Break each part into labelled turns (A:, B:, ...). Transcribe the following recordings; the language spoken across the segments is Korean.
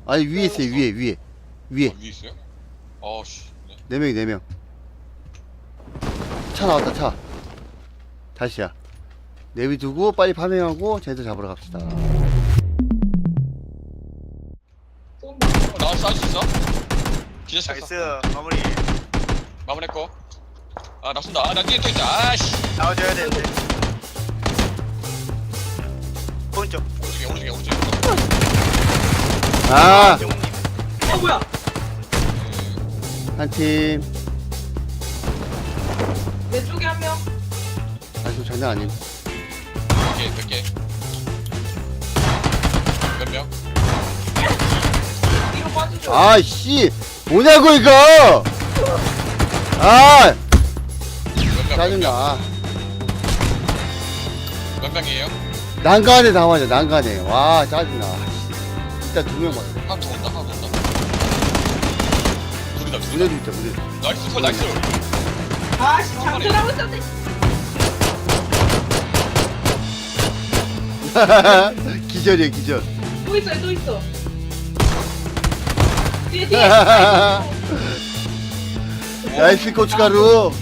A: 아니 위에 있어요. 위에
B: 위에 있어요? 씨. 네.
A: 4명이 4명. 차 나왔다 차. 다시야. 내비두고 빨리 파밍하고 쟤들 잡으러 갑시다.
B: 나와서 쏴줄 수 있어? 기자
C: 나이스
B: 쳤어.
C: 마무리.
B: 마무리했고. 나 쏜다. 나 뒤에 또 있다. 아씨.
C: 나와줘야 되는데. 오른쪽.
B: 오른쪽에.
A: 아!
D: 뭐야?
A: 한 팀.
D: 내 쪽에 한 명.
A: 아주 장난 아님.
B: 몇 개. 몇 명?
D: 뒤로 빠지죠.
A: 아이씨! 뭐냐고 이거! 아!
B: 몇 명?
A: 짜증나.
B: 몇 명이에요?
A: 난간에 나와야 난간에. 와 짜증나. 일단 2명 봤어.
B: 하나 더 온다. 둘이다.
A: 무대도 있다 무대.
B: 나이스.
D: 아씨 장전하고 있었네.
A: 기절이야 기절.
D: 또 있어. 뒤에.
A: 나이스 고춧가루.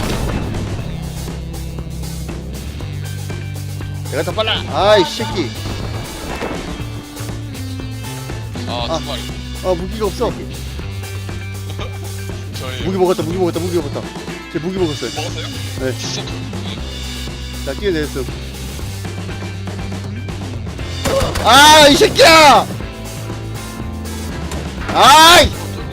A: 내가 더 빨라. 아이 새끼.
B: 두 마리.
A: 무기가 없어.
B: 저희
A: 무기 먹었다. 쟤 무기 먹었어요.
B: 먹었어요?
A: 네.
B: 진짜
A: 나 뛰어내렸어. 아, 이 새끼야! 아이!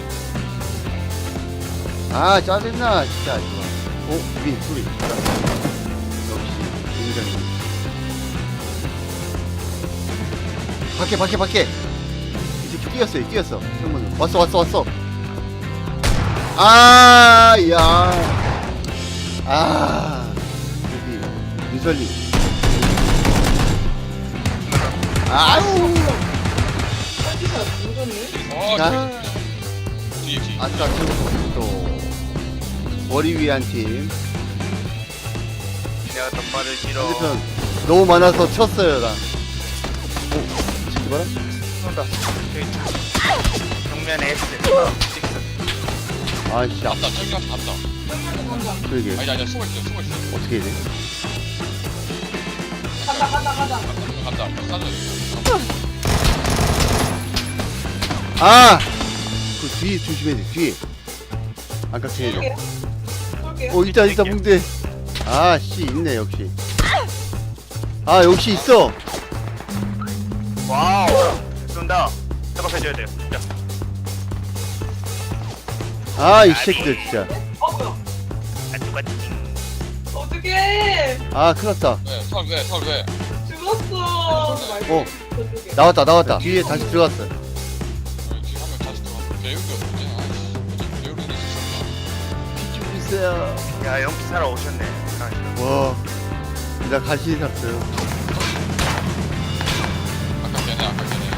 A: 아, 짜증나, 진짜, 이거. 위, 소리. 역시, 굉장히. 밖에. 이 새끼 뛰었어. 형은. 왔어. 아, 야. 아. 여기, 윤설님. 아우.
D: 어디서 누구니?
A: 자.
B: 뒤에.
A: 아싸, 또. 머리 위 한 팀.
C: 내가 더 빠를 길어.
A: 상대편 너무 많아서 쳤어요, 나. 새끼 봐라.
C: 쏜다. 저기 정면에 S.
A: 아이씨,
B: 간다. 저기한테 간다.
D: 정면도 간다.
A: 그러게.
B: 아니 숨어 있어.
A: 어떻게 해야 돼?
D: 간다.
B: 간다. 쏴줘.
A: 아! 그 뒤에 조심해야 돼, 뒤에. 안 깎여야 돼.
D: 쏠게요.
A: 일단 붕대. 아, 씨, 있네, 역시. 아, 역시 있어.
C: 와우. 쏜다. 작업해줘야 돼요. 자.
A: 아, 이 새끼들, 진짜.
D: 뭐야?
C: 똑같이.
D: 어떡해.
A: 아, 큰일 났다.
B: 서울 왜?
D: 죽었어. 저쪽에.
A: 나왔다. 뒤에 다시 들어갔어.
B: 지금 하면 다시 들어가. 배우기 없지. 아이씨. 배우기 있었나?
A: 피좀 주세요.
C: 야 연기 사러 오셨네.
A: 와, 나 간신히 샀어요.
B: 아까 걔네.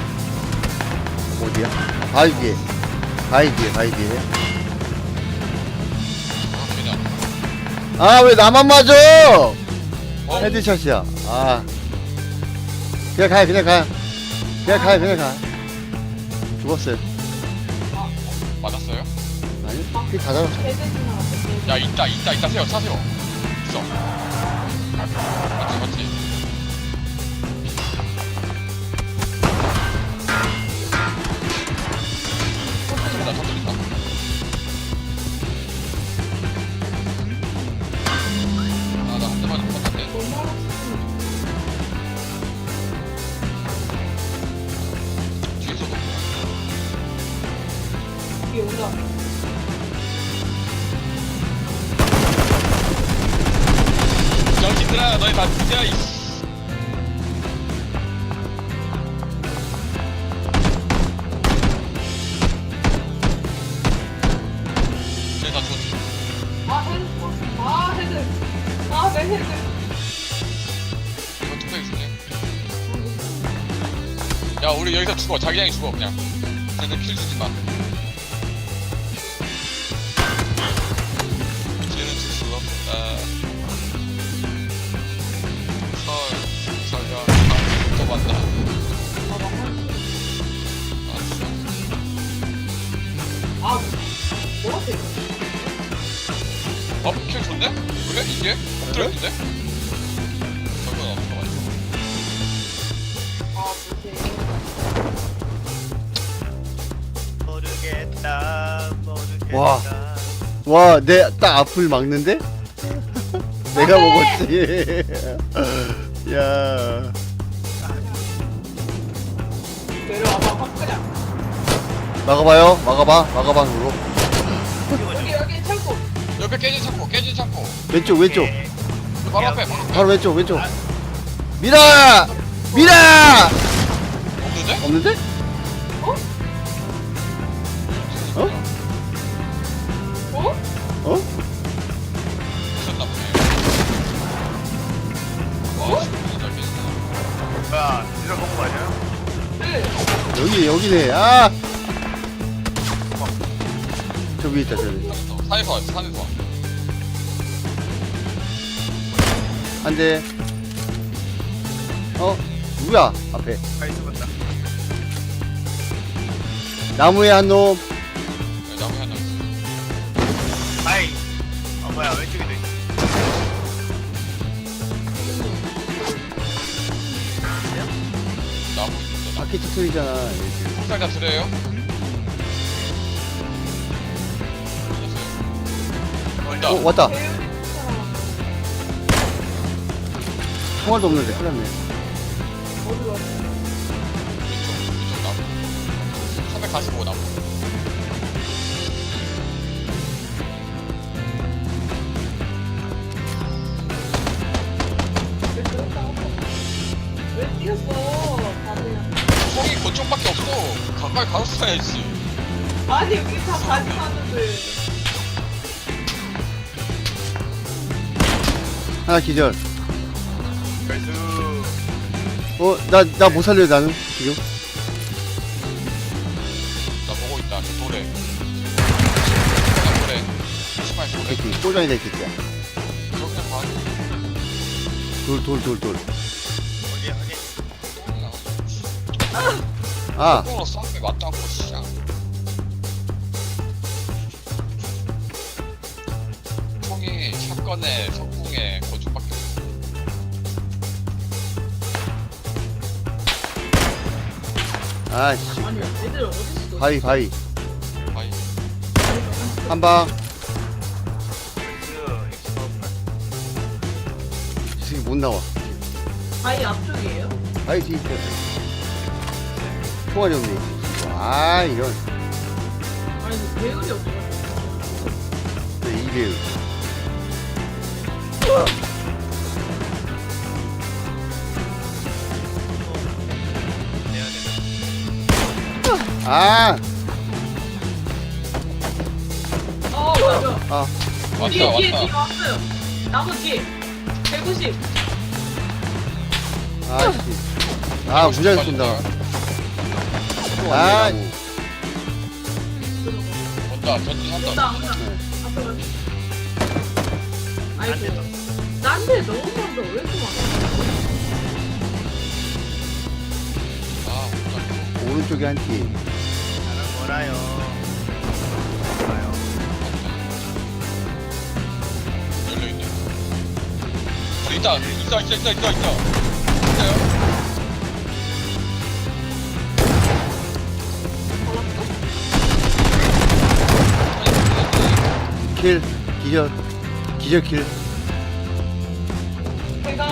A: 어디야? 바위 뒤에. 바위 뒤에.
B: 걔네.
A: 아, 왜 나만 맞아?
B: 어?
A: 헤드샷이야. 아. 그냥 가. 죽었어요.
B: 맞았어요?
A: 아니, 그다 잡았어.
D: 대대지 나왔어.
B: 야 있다 세요. 있어. 맞지. 터뜨린다. 나 한 대만 못 맞았네. 뒤에서도
D: 뒤에 온다.
B: 정신들아 너희 다 죽자 이씨. 쟤다 죽었지.
D: 헤드. 내 헤드.
B: 이거 뚝배기 주네. 야 우리 여기서 죽어. 자기장이 죽어 그냥. 쟤는 킬 주지 마. 쟤는 줄 수가 없다. 설령 또 만나. 알았어.
D: 아, 뭐라고?
B: 킬 좋네? 그래? 이게? 엎드렸는데? 저건 없어가지고.
D: 아, 못해.
C: 모르겠다.
A: 와. 와, 내 딱 앞을 막는데? 내가 먹었지. 야.
D: 내려와봐, 확 그냥.
A: 막아봐요. 막아봐. 그거.
D: 여기 창고.
B: 옆에 깨진 창고.
A: 왼쪽.
B: 바로 앞에, 바로 앞에.
A: 바로 왼쪽. 미라!
B: 없는데?
A: 없는데?
D: 어?
A: 어?
D: 어?
A: 어?
B: 있었나 보네. 와, 진짜 깨진다.
C: 뭐야, 이런 거 아니야?
D: 네.
A: 여기네. 아! 저 위에 있다, 저기.
B: 산에서 왔어, 산에서 왔어.
A: 한 대. 누구야? 앞에.
C: 가이스 봤다.
A: 나무에 한 놈.
B: 네, 나무에 하나 있어.
C: 아이. 뭐야, 왼쪽에도 있어.
B: 나무 있어, 나무.
A: 바퀴 터트리잖아. 이렇게.
B: 폭살 다 드려요? 온다.
A: 왔다.
D: 배우는 사람.
A: 총알도 없는데. 큰일 났네.
D: 어디 갔어?
B: 왼쪽 나무. 345 나무.
D: 왜 그랬다고? 왜 뛰었어? 다들.
B: 총이 그쪽밖에 없어. 가까이 가서 쏴야지.
D: 아니, 우리 다 가져가는데.
A: 하나 기절.
C: 가이스.
A: 나 못 살려, 나는. 지금.
B: 나 보고 있다. 저 돌에. 돌에. 심할 돌에.
A: 새끼. 꼬장이 될 새끼야.
B: 저 그냥 봐.
A: 돌.
C: 어디?
A: 아,
B: 똥으로 싼게 맞다고, 씨야. 총이 샷건에 석궁에 거쪽밖에 없어.
A: 아씨.
D: 아니, 애들 어딨어?
A: 바위.
B: 바이.
A: 한 방. 이 새끼 못 나와.
D: 바위 앞쪽이에요?
A: 바위 뒤에 있어. 총알이 없네. 아, 이런.
D: 아니, 그 배율이 없어.
A: 이배율. 아,
D: 맞아.
A: 아,
D: 뒤에
B: 왔다.
D: 왔어요. 나무 뒤에. 190.
A: 아, 씨. 아, 무지하게 쏜다. 아,
B: 온다. 전진한다.
D: 온다.
A: 네.
D: 앞에 가자. 아이고. 나한테 너무 많다. 왜 이렇게 많아?
B: 아, 온다.
A: 오른쪽에 한 팀.
C: 나는 뭐라요? 뭐라요?
B: 열려있네. 있다. 있어요.
A: 킬, 기절 킬.
D: 제가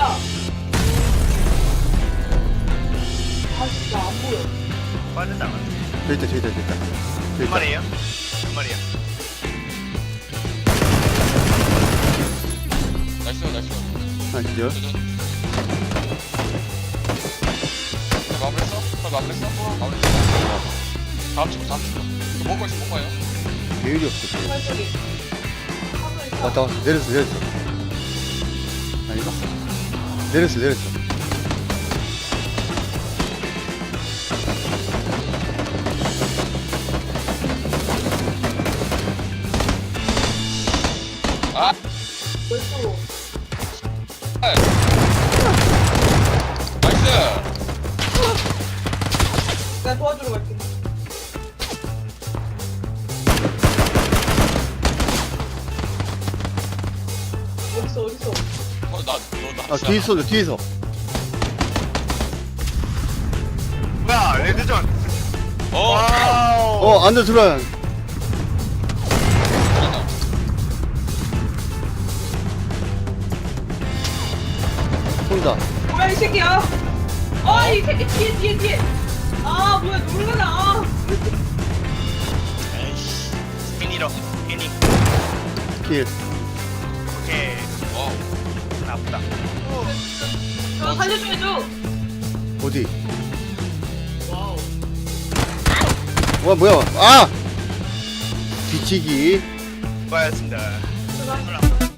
D: 진짜 안 보여.
C: 빠졌다.
A: 저기 있다.
C: 몇 마리예요? 몇 마리야?
B: 나이스.
A: 하나 기절.
B: 마무리했어? 다음 친구. 먹고 있어요.
A: 배율이 없어. 배율.
D: 팔쪽이. 하늘 있어.
A: 왔다. 내렸어. 아닌가? 내렸어.
B: 아!
D: 왼쪽으로.
B: 나이스!
D: 내가 도와주러 갈게.
A: 아 뒤에 쏘죠 뒤에서.
C: 뭐야 레드존.
B: 어.
C: 와우.
A: 안돼 들어와.
B: 들어간다.
A: 쏜다.
D: 뭐야 이 새끼야. 이 새끼 뒤에. 아 뭐야 놀래라.
C: 에이씨. 피니로 피니.
A: 킬.
C: 오케이.
B: 와우.
C: 나쁘다.
D: 저 살려줘야죠.
A: 어디?
D: 와우.
A: 와 뭐야? 아! 뒤치기.
C: 수고하셨습니다.
D: 수고하셨습니다.